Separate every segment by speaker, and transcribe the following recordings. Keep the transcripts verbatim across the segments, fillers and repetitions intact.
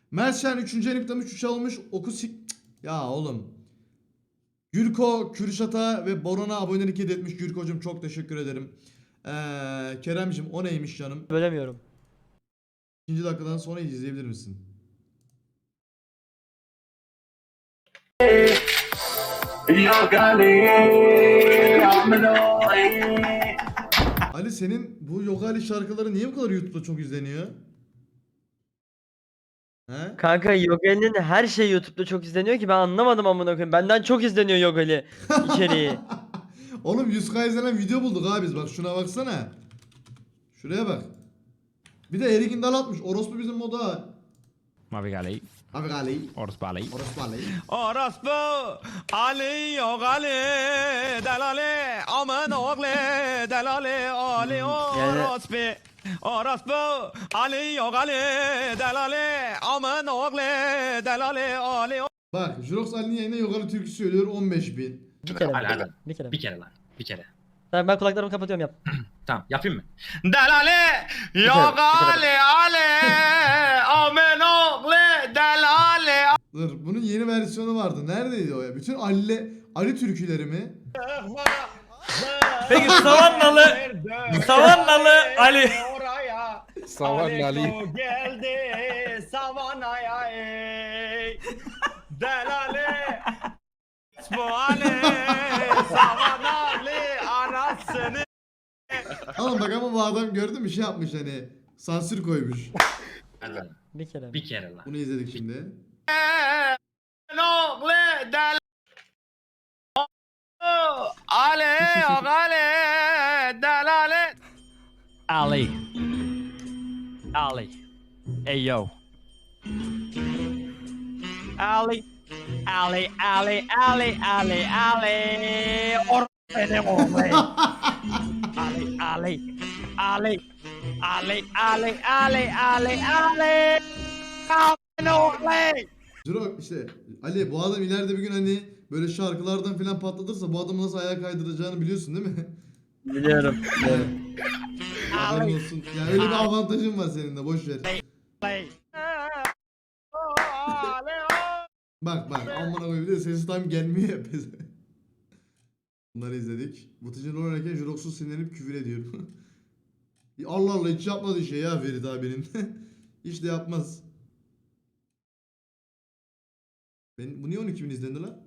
Speaker 1: Mersen üçüncü enikten üç üç almış. Oku sik... Ya oğlum. Gürko, Kürşat'a ve Boran'a abonelik hediye etmiş. Gürko'cum çok teşekkür ederim. Ee, Kerem'cim o neymiş canım?
Speaker 2: Bölemiyorum.
Speaker 1: İkinci dakikadan sonra izleyebilir misin? Ali senin bu Yogali şarkıları niye bu kadar YouTube'da çok izleniyor? He?
Speaker 2: Kanka Yogali'nin her şeyi YouTube'da çok izleniyor ki ben anlamadım amına koyayım. Benden çok izleniyor Yogali içeriği.
Speaker 1: Oğlum yüz K izlenen video bulduk abi biz, bak şuna baksana. Şuraya bak. Bir de Erik'in dal atmış. Orospu bizim moda.
Speaker 3: Mavi Gali.
Speaker 1: Abi Gali.
Speaker 3: Orospu Ali.
Speaker 1: Orospu Ali.
Speaker 3: Orospu Ali Yogali Delali Aman oğlu Delali Ali Orospu Orospu Ali Yogali Delali Aman oğlu Delali Ali.
Speaker 1: Bak Jurox Ali'nin yayına Yogali türküsü söylüyor on beş bin.
Speaker 2: Bir kere
Speaker 4: Hadi,
Speaker 2: mi?
Speaker 4: hadi.
Speaker 2: Bir kere mi?
Speaker 4: Bir kere lan. Bir kere.
Speaker 2: Tamam ben kulaklarımı kapatıyorum yap.
Speaker 4: Tamam yapayım mı?
Speaker 3: Delali Yogali Ali Aman oğlu Delali.
Speaker 1: Dur bunun yeni versiyonu vardı. Neredeydi o ya? Bütün Ali Ali türküleri mi?
Speaker 5: Peki Savannalı Savannalı Ali.
Speaker 6: Savan Ali.
Speaker 3: Geldi Savanaya ey. Delali. Bu Ali Savanalı anasını.
Speaker 1: Oğlum bak ama bu adam gördün mü şey yapmış hani sansür koymuş.
Speaker 4: Hadi lan.
Speaker 2: Bir kere mi?
Speaker 4: Bir kere lan.
Speaker 1: Bunu izledik şimdi.
Speaker 3: Oğlu del. Ali Ali delali.
Speaker 5: Ali. Ali. Hey yo. Ali. Ali Ali Ali Ali Ali. Or benim oğlum. Ali Ali. Ali. Ali Ali Ali Ali Ali. Aman oğlum.
Speaker 1: Jurox işte Ali bu adam ileride bir gün hani böyle şarkılardan filan patlatırsa bu adamı nasıl ayağa kaydıracağını biliyorsun değil mi?
Speaker 2: Biliyorum. biliyorum.
Speaker 1: Haberin olsun. Yani öyle bir avantajın var senin de, boş ver.
Speaker 5: Ali.
Speaker 1: Bak bak amına koyayım, bir de sesi tam gelmiyor ya. Bunları izledik. Vıtıcın rol oynarken Jurox'u sinirlenip küfür ediyor. Allah Allah hiç yapmadığı şey ya Ferit abinin. Hiç de yapmaz. Ben, bu niye on iki bin izlendi lan?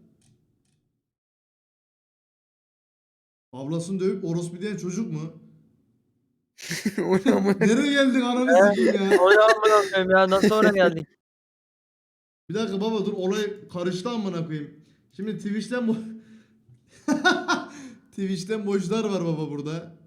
Speaker 1: Ablasını dövüp orospu diyen çocuk mu?
Speaker 6: O ne ama?
Speaker 1: Nereye geldik ananı sikeyim ya?
Speaker 2: O ne amına koyayım ya nasıl oraya geldik?
Speaker 1: Bir dakika baba dur, olay karıştı amına koyayım. Şimdi Twitch'ten bu Twitch'ten boşlar var baba burada.